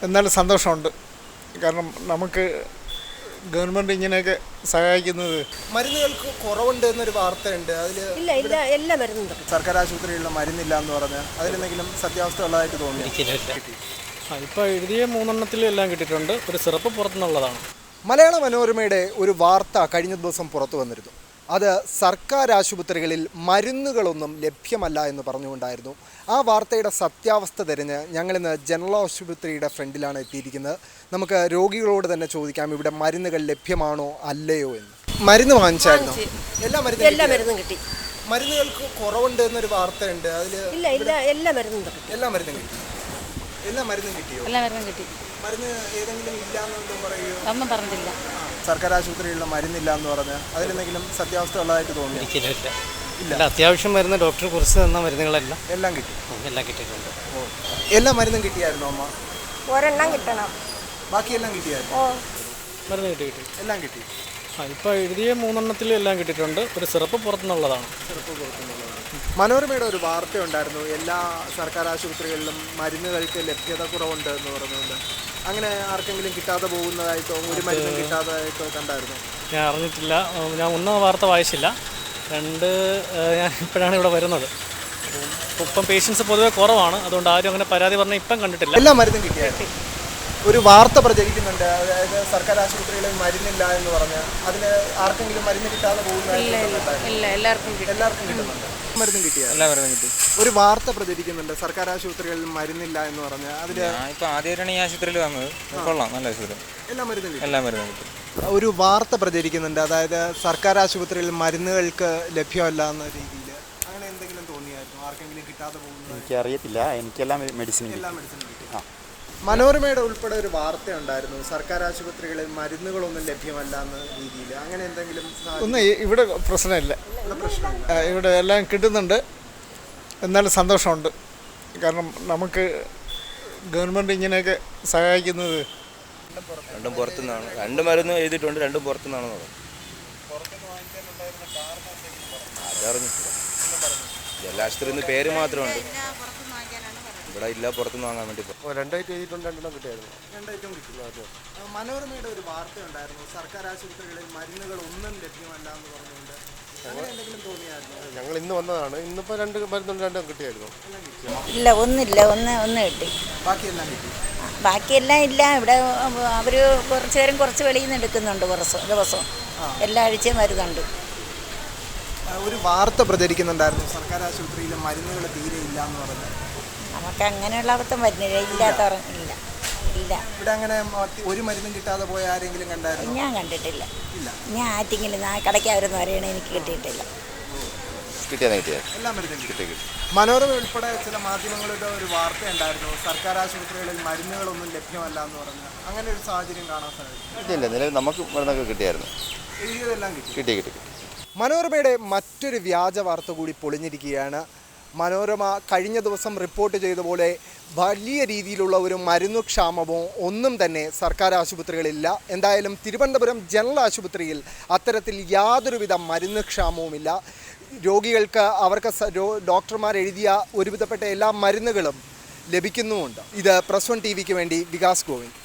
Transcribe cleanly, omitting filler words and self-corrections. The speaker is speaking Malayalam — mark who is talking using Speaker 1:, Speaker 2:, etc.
Speaker 1: എന്നാലും സന്തോഷമുണ്ട്. കാരണം നമുക്ക് ഗവൺമെൻറ് ഇങ്ങനെയൊക്കെ സഹായിക്കുന്നത്.
Speaker 2: മരുന്നുകൾക്ക് കുറവുണ്ട് എന്നൊരു വാർത്തയുണ്ട്. അതിൽ
Speaker 3: ഇല്ല എല്ലാ മരുന്നും
Speaker 2: സർക്കാർ ആശുപത്രികളിലെ മരുന്നില്ല എന്ന് പറഞ്ഞ് അതിലെന്തെങ്കിലും സത്യാവസ്ഥ ഉള്ളതായിട്ട് തോന്നി?
Speaker 4: ഇപ്പോൾ എഴുതിയ 3 എല്ലാം കിട്ടിയിട്ടുണ്ട്. ഒരു സിറപ്പ് പുറത്തുനിന്നുള്ളതാണ്.
Speaker 2: മലയാള മനോരമയുടെ ഒരു വാർത്ത കഴിഞ്ഞ ദിവസം പുറത്തു വന്നിരുന്നു. അത് സർക്കാർ ആശുപത്രികളിൽ മരുന്നുകളൊന്നും ലഭ്യമല്ല എന്ന് പറഞ്ഞുകൊണ്ടായിരുന്നു. ആ വാർത്തയുടെ സത്യാവസ്ഥ തിരഞ്ഞ് ഞങ്ങളിന്ന് ജനറൽ ആശുപത്രിയുടെ ഫ്രണ്ടിലാണ് എത്തിയിരിക്കുന്നത്. നമുക്ക് രോഗികളോട് തന്നെ ചോദിക്കാം ഇവിടെ മരുന്നുകൾ ലഭ്യമാണോ അല്ലയോ എന്ന്. മരുന്ന് വാങ്ങിച്ചായിരുന്നു? എല്ലാ മരുന്നും കിട്ടി. മരുന്നുകൾക്ക് കുറവുണ്ട് എന്നൊരു വാർത്തയുണ്ട്. അതിൽ
Speaker 3: എല്ലാ മരുന്നും കിട്ടി.
Speaker 2: എല്ലാ മരുന്നും കിട്ടി. മരുന്ന് ഏതെങ്കിലും ഇല്ലാന്ന് പറയുമോ?
Speaker 3: ഒന്നും പറഞ്ഞില്ല.
Speaker 2: സർക്കാർ ആശുപത്രികളിലെ മരുന്നില്ല എന്ന് പറഞ്ഞ് അതിലെന്തെങ്കിലും സത്യാവസ്ഥ ഉള്ളതായിട്ട് തോന്നി?
Speaker 4: ഇല്ല, അത്യാവശ്യം മരുന്ന് ഡോക്ടർ കുറിച്ച് തന്ന മരുന്നുകളെല്ലാം
Speaker 2: എല്ലാം കിട്ടി.
Speaker 4: എല്ലാം കിട്ടിയിട്ടുണ്ട്.
Speaker 2: എല്ലാ മരുന്നും കിട്ടിയായിരുന്നു അമ്മ?
Speaker 3: ഒരെണ്ണം കിട്ടണം.
Speaker 2: ബാക്കിയെല്ലാം കിട്ടിയായിരുന്നു?
Speaker 4: മരുന്ന് കിട്ടി.
Speaker 2: എല്ലാം കിട്ടി.
Speaker 4: ഇപ്പോൾ എഴുതിയ 3 എല്ലാം കിട്ടിയിട്ടുണ്ട്. ഒരു സിറപ്പ് പുറത്തുനിന്നുള്ളതാണ്.
Speaker 2: മനോരമയുടെ ഒരു വാർത്ത ഉണ്ടായിരുന്നു, എല്ലാ സർക്കാർ ആശുപത്രികളിലും മരുന്നുകൾക്ക് ലഭ്യത കുറവുണ്ട് എന്ന് പറഞ്ഞുകൊണ്ട്. അങ്ങനെ ആർക്കെങ്കിലും കിട്ടാതെ പോകുന്നതായിട്ടോ ഒരു മരുന്നും കിട്ടാതായിട്ടോ കണ്ടായിരുന്നു?
Speaker 4: ഞാൻ അറിഞ്ഞിട്ടില്ല. ഞാൻ ഒന്നും വാർത്ത വായിച്ചില്ല. ഞാൻ ഇപ്പോഴാണ് ഇവിടെ വരുന്നത്. ഇപ്പം പേഷ്യൻസ് പൊതുവെ കുറവാണ്. അതുകൊണ്ട് ആരും അങ്ങനെ പരാതി പറഞ്ഞാൽ ഇപ്പം കണ്ടിട്ടില്ല.
Speaker 2: എല്ലാ മരുന്നും കിട്ടിയായിരുന്നു. ഒരു വാർത്ത പ്രചരിക്കുന്നുണ്ട്, അതായത് സർക്കാർ ആശുപത്രികളിൽ മരുന്നില്ല എന്ന് പറഞ്ഞ് അതിന് ആർക്കെങ്കിലും മരുന്ന് കിട്ടാതെ പോകുന്നതായിട്ട്? എല്ലാവർക്കും കിട്ടുന്നുണ്ട്. മരുന്നും കിട്ടിയ?
Speaker 5: എല്ലാ മരുന്നും കിട്ടി.
Speaker 2: ഒരു വാർത്ത പ്രചരിക്കുന്നുണ്ട് സർക്കാർ ആശുപത്രികളിൽ മരുന്നില്ല എന്ന് പറഞ്ഞ് അതില്.
Speaker 5: ഇപ്പൊ ആദ്യമായിട്ടാണ് ഈ ആശുപത്രിയിൽ വന്നത്. കൊള്ളാം, നല്ല ആശുപത്രി.
Speaker 2: എല്ലാ മരുന്നും
Speaker 5: കിട്ടും.
Speaker 2: ഒരു വാർത്ത പ്രചരിക്കുന്നുണ്ട്, അതായത് സർക്കാർ ആശുപത്രികളിൽ മരുന്നുകൾക്ക് ലഭ്യമല്ല എന്ന രീതിയിൽ. അങ്ങനെ എന്തെങ്കിലും തോന്നിയായിരുന്നു? ആർക്കെങ്കിലും കിട്ടാതെ പോകുന്നത്?
Speaker 6: എനിക്കറിയത്തില്ല. എനിക്കെല്ലാം മെഡിസിൻ
Speaker 2: കിട്ടി. മനോരമയുടെ ഉൾപ്പെടെ ഒരു വാർത്ത ഉണ്ടായിരുന്നു, സർക്കാർ ആശുപത്രികളിൽ മരുന്നുകളൊന്നും ലഭ്യമല്ല എന്ന രീതിയിൽ. അങ്ങനെ എന്തെങ്കിലും?
Speaker 1: ഒന്നും ഇവിടെ പ്രശ്നമില്ല. ഇവിടെ എല്ലാം കിട്ടുന്നുണ്ട്. എന്നാലും സന്തോഷമുണ്ട്. കാരണം നമുക്ക് ഗവൺമെൻറ് ഇങ്ങനെയൊക്കെ സഹായിക്കുന്നത്.
Speaker 7: രണ്ടും പുറത്തുനിന്നാണ്. 2 മരുന്ന് എഴുതിയിട്ടുണ്ട്, 2 പുറത്തുനിന്നാണ്. അതറിഞ്ഞിട്ടില്ല. ജലാശുപത്രി പേര് മാത്രമുണ്ട്, ഇവിടെ ഇല്ല. പുറത്തുനിന്ന് വാങ്ങാൻ വേണ്ടി
Speaker 6: 2 ഐറ്റം എഴുതിയിട്ടുണ്ട്, 2 കിട്ടിയായിരുന്നു.
Speaker 2: 2 ഐറ്റം കിട്ടി. മനോരമയുടെ ഒരു വാർത്ത ഉണ്ടായിരുന്നു, സർക്കാർ ആശുപത്രികളിൽ മരുന്നുകളൊന്നും ലഭ്യമല്ല എന്ന് പറഞ്ഞുകൊണ്ട്. അങ്ങനെ എന്തെങ്കിലും തോന്നിയായിരുന്നു?
Speaker 6: ഞങ്ങൾ ഇന്ന് വന്നതാണ്. ഇന്നിപ്പോൾ 2 മരുന്നുണ്ട്, 2 കിട്ടിയായിരുന്നു.
Speaker 3: ഇല്ല, ഒന്നില്ല. ഒന്ന് കിട്ടി.
Speaker 2: ബാക്കിയെല്ലാം കിട്ടി.
Speaker 3: ബാക്കിയെല്ലാം ഇല്ല. ഇവിടെ അവർ കുറച്ച് നേരം കുറച്ച് വെളിയിൽ നിന്ന് എടുക്കുന്നുണ്ട് ദിവസവും. എല്ലാ ആഴ്ചയും മരുന്നുണ്ട്.
Speaker 2: ഒരു വാർത്ത പ്രചരിക്കുന്നുണ്ടായിരുന്നു, സർക്കാർ ആശുപത്രിയിലെ മരുന്നുകൾ തീരെ ഇല്ല എന്ന് പറഞ്ഞു.
Speaker 3: നമുക്ക് അങ്ങനെയുള്ള അബദ്ധം വരുന്നില്ല. ഇല്ലാത്തവർ ഇല്ല.
Speaker 2: ഇവിടെ അങ്ങനെ ഒരു മരുന്നും കിട്ടാതെ പോയ ആരെങ്കിലും കണ്ടായിരുന്നു?
Speaker 3: ഞാൻ കണ്ടിട്ടില്ല. ഞാൻ ആറ്റിങ്ങിൽ കടയ്ക്കാവരെന്ന് പറയണേ, എനിക്ക് കിട്ടിയിട്ടില്ല.
Speaker 2: എല്ലാ മരുന്നും കിട്ടി. മനോരമ ഉൾപ്പെടെ ചില മാധ്യമങ്ങളുടെ ഒരു വാർത്ത ഉണ്ടായിരുന്നു, സർക്കാർ ആശുപത്രികളിൽ മരുന്നുകളൊന്നും ലഭ്യമല്ല എന്ന് പറഞ്ഞു. അങ്ങനെ ഒരു സാഹചര്യം കാണാൻ സാധിക്കും?
Speaker 6: നമുക്ക് മരുന്നൊക്കെ കിട്ടിയായിരുന്നു.
Speaker 2: എഴുതിയതെല്ലാം കിട്ടി.
Speaker 6: മനോരമയുടെ മറ്റൊരു വ്യാജ വാർത്ത കൂടി പൊളിഞ്ഞിരിക്കുകയാണ്. മനോരമ കഴിഞ്ഞ ദിവസം റിപ്പോർട്ട് ചെയ്ത പോലെ വലിയ രീതിയിലുള്ള ഒരു മരുന്നുക്ഷാമമോ ഒന്നും തന്നെ സർക്കാർ ആശുപത്രികളിലില്ല. എന്തായാലും തിരുവനന്തപുരം ജനറൽ ആശുപത്രിയിൽ അത്തരത്തിൽ യാതൊരുവിധ മരുന്നുക്ഷാമവുമില്ല. രോഗികൾക്ക് അവർക്ക് ഡോക്ടർമാർ എഴുതിയ ഒരുവിധപ്പെട്ട എല്ലാ മരുന്നുകളും ലഭിക്കുന്നുമുണ്ട്. ഇത് പ്രസ് 1 TV വേണ്ടി വികാസ് ഗോവിന്ദ്.